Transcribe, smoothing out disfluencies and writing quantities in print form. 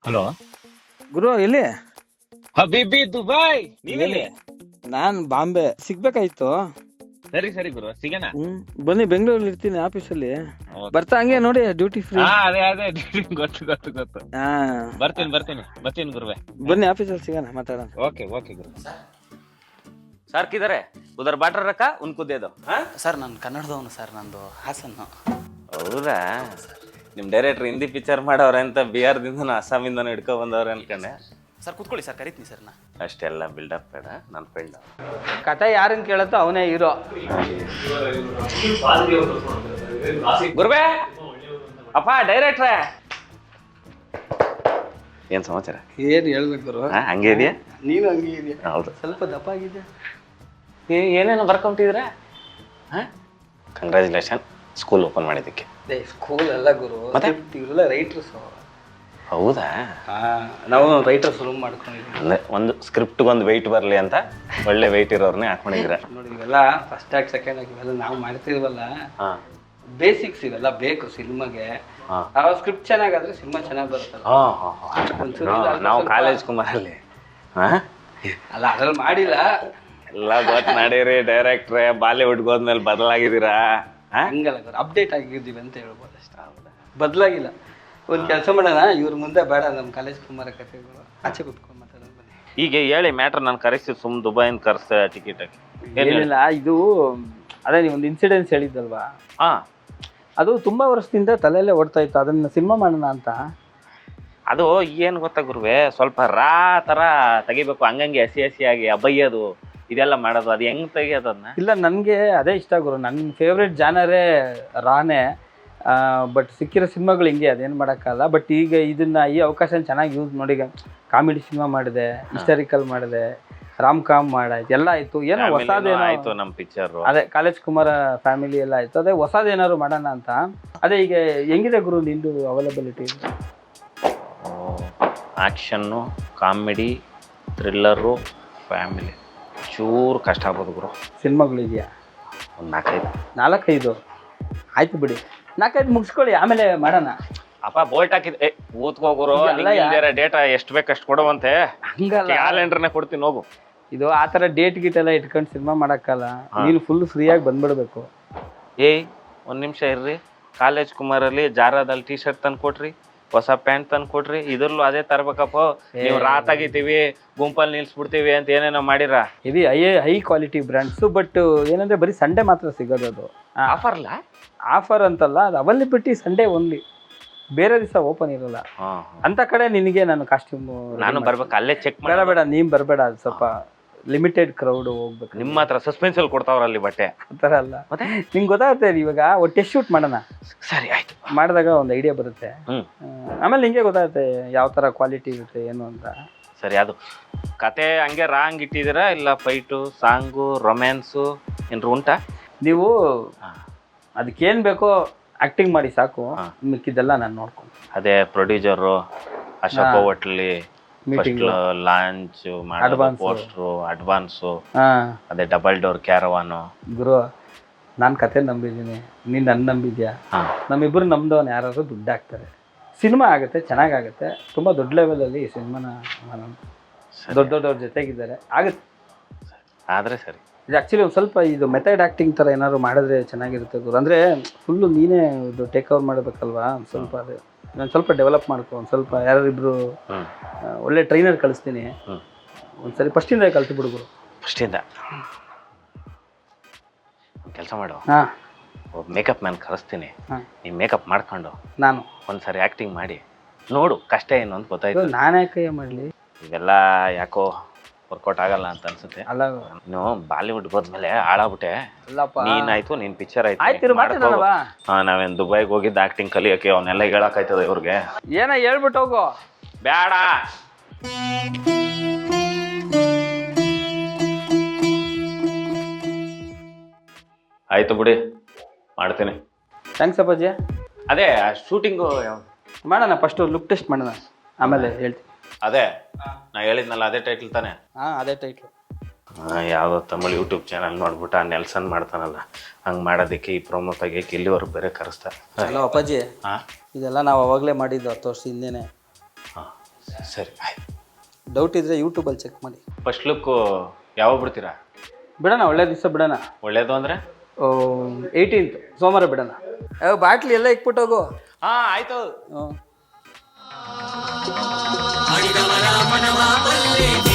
Hello. ಗುರು ಎಲ್ಲಿ? ಹಬೀಬಿ Dubai, ನೀವೆಲ್ಲಿ? ನಾನ್ ಬಾಂಬೆ ಸಿಗ್ಬೇಕಾಯ್ತು. ಸರಿ ಸರಿ ಗುರು, ಸಿಗೋಣ. ಬನ್ನಿ, ಬೆಂಗಳೂರಲ್ಲಿ ಇರ್ತೀನಿ ಆಫೀಸಲ್ಲಿ. Okay. ಬರ್ತಾ ಹಂಗೆ ನೋಡಿ ಡ್ಯೂಟಿ ಫ್ರೀ. ಅದೇ ಅದೇ ಗೊತ್ತು ಗೊತ್ತು ಗೊತ್ತು. ಹಾ, ಬರ್ತೀನಿ ಗುರುವೆ. ಬನ್ನಿ ಆಫೀಸಲ್ಲಿ ಸಿಗೋಣ, ಮಾತಾಡೋಣ. ಓಕೆ ಗುರು. ಸರ್ ಕಿದಾರೆ ಉದರ್ ಬಾಟ್ರ ರಕ್ಕ ಉನ್ಕು ದೇದು. ಸರ್ ನಾನು ಕನ್ನಡದವನು ಸರ್, ನಂದು ಹಾಸನ್ನು. ಹೌದಾ? ನಿಮ್ ಡೈರೆಕ್ಟರ್ ಹಿಂದಿ ಪಿಕ್ಚರ್ ಮಾಡವ್ರೆ ಅಂತ ಬಿಹಾರದಿಂದ ಅಸ್ಸಾಮಿಂದ ಹಿಡ್ಕೊ ಬಂದವ್ರೆ ಅನ್ಕೊಂಡೆ. ಸರ್ ಕೂತ್ಕೊಳ್ಳಿ ಸರ್, ಕರಿತೀನಿ ಸರ್ ನಾ. ಅಷ್ಟೆಲ್ಲ ಬಿಲ್ಡಪ್ ಬೇಡ, ನನ್ನ ಫ್ರೆಂಡ್. ಕತೆ ಯಾರನ್ನ ಕೇಳತ್ತೋ ಅವನೇ ಹೀರೋ. ಗುರುವೆ, ಅಪ್ಪ ಡೈರೆಕ್ಟ್ರೇ, ಏನ್ ಸಮಾಚಾರ? ಏನ್ ಹೇಳ್ಬೇಕು ಗುರು? ಹಂಗೆ ಇದೆಯಾ? ನೀನು ಹಂಗೆ ಇದೆಯಾ? ಹೌದು, ಸ್ವಲ್ಪ ದಪ್ಪ ಆಗಿದೆ. ಏನೇನೋ ಬರ್ಕೊಂಬಿಟ್ಟಿದ್ರ? ಕಂಗ್ರ್ಯಾಚುಲೇಷನ್, ಸ್ಕೂಲ್ ಓಪನ್ ಮಾಡಿದ್ದಕ್ಕೆ. ಸ್ಕೂಲ್ ಅಲ್ಲ ಗುರು, ಇವರೆಲ್ಲ ರೈಟರ್ಸ್. ಹೌದಾ? ನಾವು ರೈಟರ್ಸ್ ರೂಮ್ ಮಾಡ್ಕೊಂಡಿದ್ದೀವಿ. ಅಂದ್ರೆ ಒಂದು ಸ್ಕ್ರಿಪ್ಟ್ ಒಂದು ವೆಯ್ಟ್ ಬರಲಿ ಅಂತ ಒಳ್ಳೆ ವೆಯ್ಟ್ ಇರೋರ್ನೇ ಹಾಕೊಂಡಿದ್ರ. ನೋಡಿ, ಇವೆಲ್ಲ ಫಸ್ಟ್ ಆಗಿ ಸೆಕೆಂಡ್ ಆಗಿ ಇವೆಲ್ಲ ನಾವು ಮಾಡ್ತಿರ್ವಲ್ಲ, ಬೇಸಿಕ್ಸ್ ಇವೆಲ್ಲ ಬೇಕು ಸಿನಿಮಾಗೆ. ಸ್ಕ್ರಿಪ್ಟ್ ಚೆನ್ನಾಗಾದ್ರೆ ಸಿನಿಮಾ ಚೆನ್ನಾಗಿ ಬರುತ್ತಲ್ಲ. ನಾವು ಕಾಲೇಜ್ ಕುಮಾರಲ್ಲಿ ಅಲ್ಲ, ಅದ್ರಲ್ಲಿ ಮಾಡಿಲ್ಲ. ಎಲ್ಲ ಗೊತ್ತು ನಡೀರಿ ಡೈರೆಕ್ಟ್ರೇ, ಬಾಲಿವುಡ್ಗೆ ಹೋದ್ಮೇಲೆ ಬದಲಾಗಿದ್ದೀರಾ? ಹಂಗಲ್ಲ, ಅಪ್ಡೇಟ್ ಆಗಿದ್ದೀವಿ ಅಂತ ಹೇಳ್ಬೋದು ಅಷ್ಟೇ. ಬದಲಾಗಿಲ್ಲ. ಒಂದು ಕೆಲಸ ಮಾಡೋಣ, ಇವ್ರ ಮುಂದೆ ಬೇಡ, ನಮ್ಮ ಕಾಲೇಜ್ ಕುಮಾರ ಕಥೆಗಳು ಆಚೆ ಕುತ್ಕೊಂಡು ಮಾತಾಡೋಣ ಬನ್ನಿ. ಈಗ ಹೇಳಿ ಮ್ಯಾಟ್ರ್, ನಾನು ಕರೆಸಿ ಸುಮ್ ದುಬೈನ್ ಕರ್ಸ ಟಿಕೆಟ್ ಹಾಕಿ. ಏನಿಲ್ಲ, ಇದು ಅದೇ ನೀವೊಂದು ಇನ್ಸಿಡೆನ್ಸ್ ಹೇಳಿದ್ದಲ್ವಾ, ಅದು ತುಂಬಾ ವರ್ಷದಿಂದ ತಲೆಯಲ್ಲೇ ಓಡ್ತಾ ಇತ್ತು, ಅದನ್ನ ಸಿನಿಮಾ ಮಾಡೋಣ ಅಂತ. ಅದು ಏನು ಗೊತ್ತಾ ಗುರುವೆ, ಸ್ವಲ್ಪ ರಾ ಥರ ತೆಗಿಬೇಕು, ಹಂಗಂಗೆ ಹಸಿಯಾಗಿ ಅಬಯ್ಯೋದು ಇದೆಲ್ಲ ಮಾಡೋದು. ಅದು ಹೆಂಗೆ ತೆಗಿಯೋದು ಅದನ್ನ? ಇಲ್ಲ, ನನಗೆ ಅದೇ ಇಷ್ಟ ಗುರು. ನನ್ನ ಫೇವ್ರೆಟ್ ಜಾನರೇ ರಾನೇ. ಬಟ್ ಸಿಕ್ಕಿರೋ ಸಿನಿಮಾಗಳು ಹಿಂಗೆ, ಅದೇನು ಮಾಡೋಕ್ಕಲ್ಲ. ಬಟ್ ಈಗ ಈ ಅವಕಾಶ ಚೆನ್ನಾಗಿ ಯೂಸ್ ನೋಡಿ. ಕಾಮಿಡಿ ಸಿನಿಮಾ ಮಾಡಿದೆ, ಹಿಸ್ಟಾರಿಕಲ್ ಮಾಡಿದೆ, ರಾಮ್ ಕಾಮ್ ಮಾಡಾಯ್ತು, ಎಲ್ಲ ಆಯಿತು. ಏನೋ ಹೊಸದೇನೋ ಆಯಿತು ನಮ್ಮ ಪಿಕ್ಚರು. ಅದೇ ಕಾಲೇಜ್ ಕುಮಾರ ಫ್ಯಾಮಿಲಿ ಎಲ್ಲ ಆಯಿತು. ಅದೇ ಹೊಸದೇನಾದ್ರು ಮಾಡೋಣ ಅಂತ. ಅದೇ ಈಗ ಹೆಂಗಿದೆ ಗುರು ನಿಂದು availability? Action, comedy, thriller, family. ಚೂರು ಕಷ್ಟ ಆಗ್ಬೋದು ಗುರು. ಸಿನಿಮಾಗಳಿದೆಯಾ? ಒಂದು 4-5 ಆಯ್ತು ಬಿಡಿ, 4-5 ಮುಗಿಸ್ಕೊಳ್ಳಿ, ಆಮೇಲೆ ಮಾಡೋಣ. ಅಪ್ಪ ಬೋಲ್ಟ್ ಹಾಕಿದ್ದೆ ಕೂತ್ಕೋಗುರು. ಡೇಟಾ ಎಷ್ಟು ಬೇಕು ಅಷ್ಟು ಕೊಡುವಂತೆ. ಹಂಗಲ್ಲ, ಕ್ಯಾಲೆಂಡರ್ನೇ ಕೊಡ್ತೀನಿ ಹೋಗು. ಇದು ಆ ಥರ ಡೇಟ್ ಗೀಟ್ ಎಲ್ಲ ಇಟ್ಕೊಂಡು ಸಿನಿಮಾ ಮಾಡೋಕ್ಕಲ್ಲ. ನೀನು ಫುಲ್ ಫ್ರೀಯಾಗಿ ಬಂದ್ಬಿಡ್ಬೇಕು. ಒಂದು ನಿಮಿಷ ಇರ್ರಿ. ಕಾಲೇಜ್ ಕುಮಾರಲ್ಲಿ ಜಾರದಲ್ಲಿ ಟೀ ಶರ್ಟ್ ತಂದು ಕೊಟ್ರಿ, ಹೊಸ ಪ್ಯಾಂಟ್ ತಂದು ಕೊಟ್ರಿ. ಇದ್ರಲ್ಲೂ ಅದೇ ತರ್ಬೇಕಪ್ಪ. ನೀವು ತೆಗಿತೀವಿ, ಗುಂಪಲ್ಲಿ ನಿಲ್ಸ್ಬಿಡ್ತೀವಿ ಅಂತ ಏನೇನೋ ಮಾಡಿರ. ಇದು ಹೈ ಕ್ವಾಲಿಟಿ ಬ್ರ್ಯಾಂಡ್ಸು. ಬಟ್ ಏನಂದ್ರೆ ಬರೀ ಸಂಡೇ ಮಾತ್ರ ಸಿಗೋದು. ಅದು ಆಫರ್ಲ? ಆಫರ್ ಅಂತಲ್ಲ, ಅದು ಅವೈಲಬಿಲಿಟಿ ಸಂಡೇ ಓನ್ಲಿ, ಬೇರೆ ದಿವಸ ಓಪನ್ ಇರಲ್ಲ. ಅಂತ ಕಡೆ ನಿನಗೆ ನಾನು ಕಾಸ್ಟ್ಯೂಮ್ ನಾನು ಬರ್ಬೇಕು, ಅಲ್ಲೇ ಚೆಕ್ ಬೇಡ, ನೀನ್ ಬರಬೇಡ. ಅದು ಸ್ವಲ್ಪ ಲಿಮಿಟೆಡ್ ಕ್ರೌಡ್ ಹೋಗ್ಬೇಕು. ನಿಮ್ಮ ಹತ್ರ ಸಸ್ಪೆನ್ಸ್ ಅಲ್ಲಿ ಕೊಡ್ತಾವ್ರಲ್ಲಿ ಬಟ್ಟೆ ಆ ಥರ ಅಲ್ಲ. ಮತ್ತೆ ನಿಂಗೆ ಗೊತ್ತಾಗುತ್ತೆ. ಇವಾಗ ಒಟ್ಟೆ ಶೂಟ್ ಮಾಡೋಣ, ಸರಿ ಆಯ್ತು. ಮಾಡಿದಾಗ ಒಂದು ಐಡಿಯಾ ಬರುತ್ತೆ. ಆಮೇಲೆ ನಿಂಗೆ ಗೊತ್ತಾಗುತ್ತೆ ಯಾವ ಥರ ಕ್ವಾಲಿಟಿ ಇರುತ್ತೆ ಏನು ಅಂತ. ಸರಿ, ಅದು ಕತೆ ಹಂಗೆ ರಾಂಗ್ ಇಟ್ಟಿದ್ದೀರಾ ಇಲ್ಲ ಫೈಟು, ಸಾಂಗು, ರೊಮ್ಯಾನ್ಸು ಏನ್ರು ಉಂಟಾ? ನೀವು ಅದಕ್ಕೇನು ಬೇಕೋ ಆ್ಯಕ್ಟಿಂಗ್ ಮಾಡಿ ಸಾಕು, ಮಿಕ್ಕಿದ್ದೆಲ್ಲ ನಾನು ನೋಡ್ಕೊಂಡು. ಅದೇ ಪ್ರೊಡ್ಯೂಸರು ಅಶೋಕ ಹೋಟ್ಲಿ ಲಾಂಚ್ ಮಾಡೋದು, ಪೋಸ್ಟ್ರು, ಅಡ್ವಾನ್ಸು, ಅದೇ ಡಬಲ್ ಡೋರ್ ಕ್ಯಾರವಾನು. ಗುರು, ನಾನು ಕತೆ ನಂಬಿದ್ದೀನಿ, ನೀನು ನನ್ನ ನಂಬಿದ್ಯಾ? ನಮ್ಮಿಬ್ಬರು ನಮ್ದವನು ಯಾರಾದ್ರು ದುಡ್ಡು ಹಾಕ್ತಾರೆ, ಸಿನಿಮಾ ಆಗುತ್ತೆ, ಚೆನ್ನಾಗಾಗುತ್ತೆ. ತುಂಬ ದೊಡ್ಡ ಲೆವೆಲಲ್ಲಿ ಈ ಸಿನಿಮಾನ ದೊಡ್ಡವ್ರ ಜೊತೆಗಿದ್ದಾರೆ, ಆಗುತ್ತೆ. ಆದರೆ ಸರಿ, ಇದು ಆ್ಯಕ್ಚುಲಿ ಒಂದು ಸ್ವಲ್ಪ ಇದು ಮೆಥಡ್ ಆ್ಯಕ್ಟಿಂಗ್ ಥರ ಏನಾದ್ರು ಮಾಡಿದ್ರೆ ಚೆನ್ನಾಗಿರುತ್ತೆ ಗುರು. ಅಂದರೆ ಫುಲ್ಲು ನೀನೇ ಇದು ಟೇಕ್ ಓವರ್ ಮಾಡಬೇಕಲ್ವಾ. ಸ್ವಲ್ಪ ಅದು ನಾನು ಸ್ವಲ್ಪ ಡೆವಲಪ್ ಮಾಡ್ಕೊ. ಒಂದು ಸ್ವಲ್ಪ ಯಾರಿಬ್ರು ಒಳ್ಳೆ ಟ್ರೈನರ್ ಕಳಿಸ್ತೀನಿ. ಒಂದ್ಸರಿ ಫಸ್ಟಿಂದ ಕಲ್ತು ಬಿಡು ಗುರು. ಫಸ್ಟಿಂದ ಕೆಲಸ ಮಾಡು. ಒಬ್ಬ ಮೇಕಪ್ ಮ್ಯಾನ್ ಕಳಿಸ್ತೀನಿ, ನೀವು ಮೇಕಪ್ ಮಾಡ್ಕೊಂಡು ನಾನು ಒಂದ್ಸರಿ ಆ್ಯಕ್ಟಿಂಗ್ ಮಾಡಿ ನೋಡು, ಕಷ್ಟ ಏನು ಅಂತ ಗೊತ್ತಾಯ್ತು. ನಾನೇ ಕೈ ಮಾಡಲಿ, ಇವೆಲ್ಲ ಯಾಕೋ ವರ್ಕೌಟ್ ಆಗಲ್ಲ ಅಂತ ಅನ್ಸುತ್ತೆ. ಅಲ್ಲ, ನೀನು ಬಾಲಿವುಡ್ ಹೋದ್ಮೇಲೆ ಹಾಳಾಗ್ಬಿಟ್ಟೆ. ನೀನಾಯ್ತು, ನಿನ್ ಪಿಕ್ಚರ್ ಆಯ್ತು. ನಾವೇನ್ ದುಬೈಗೆ ಹೋಗಿದ್ದ ಆಕ್ಟಿಂಗ್ ಕಲಿಯೋಕೆ, ಅವನ್ನೆಲ್ಲ ಹೇಳಕ್ಕಾಯ್ತದ ಇವ್ರಿಗೆ? ಏನೋ ಹೇಳ್ಬಿಟ್ಟು ಹೋಗು. ಬೇಡ, ಆಯ್ತು ಬಿಡಿ, ಮಾಡ್ತೀನಿ. ಥ್ಯಾಂಕ್ಸ್ ಅಪ್ಪಾಜಿ. ಅದೇ ಶೂಟಿಂಗು ಮಾಡೋಣ, ಫಸ್ಟು ಲುಕ್ ಟೆಸ್ಟ್ ಮಾಡೋಣ, ಆಮೇಲೆ ಹೇಳ್ತೀನಿ. ಅದೇ ನಾ ಹೇಳಿದ್ನಲ್ಲ, ಅದೇ ಟೈಟ್ಲ್ ತಾನೆ? ಅದೇ ಟೈಟ್ಲು. ಯಾವುದೋ ತಮಿಳ್ ಯೂಟ್ಯೂಬ್ ಚಾನಲ್ ನೋಡ್ಬಿಟ್ಟು ಆ ನೆಲ್ಸನ್ ಮಾಡ್ತಾನಲ್ಲ, ಹಂಗೆ ಮಾಡೋದಕ್ಕೆ ಈ ಪ್ರೊಮೋ ತೆಗಿಯಕ್ಕೆ ಇಲ್ಲಿವರೆಗೆ ಬೇರೆ ಕರೆಸ್ತಾರೆ. ಹಲೋ ಅಪ್ಪಾಜಿ, ಇದೆಲ್ಲ ನಾವು ಅವಾಗಲೇ ಮಾಡಿದ್ದು 10 ವರ್ಷ ಹಿಂದೆನೆ. ಸರಿ ಆಯ್ತು. ಡೌಟ್ ಇದ್ದರೆ ಯೂಟ್ಯೂಬಲ್ಲಿ ಚೆಕ್ ಮಾಡಿ. ಫಸ್ಟ್ ಲುಕ್ಕು ಯಾವಾಗ ಬಿಡ್ತೀರಾ? ಬಿಡೋಣ, ಒಳ್ಳೆ ದಿವಸ ಬಿಡೋಣ. ಒಳ್ಳೇದು ಅಂದರೆ 18th ಸೋಮವಾರ ಬಿಡೋಣ. ಬಾಟ್ಲಿ ಎಲ್ಲ ಇಕ್ಬಿಟ್ಟೋಗು. ಹಾಂ ಆಯಿತು. ಹ್ಞೂ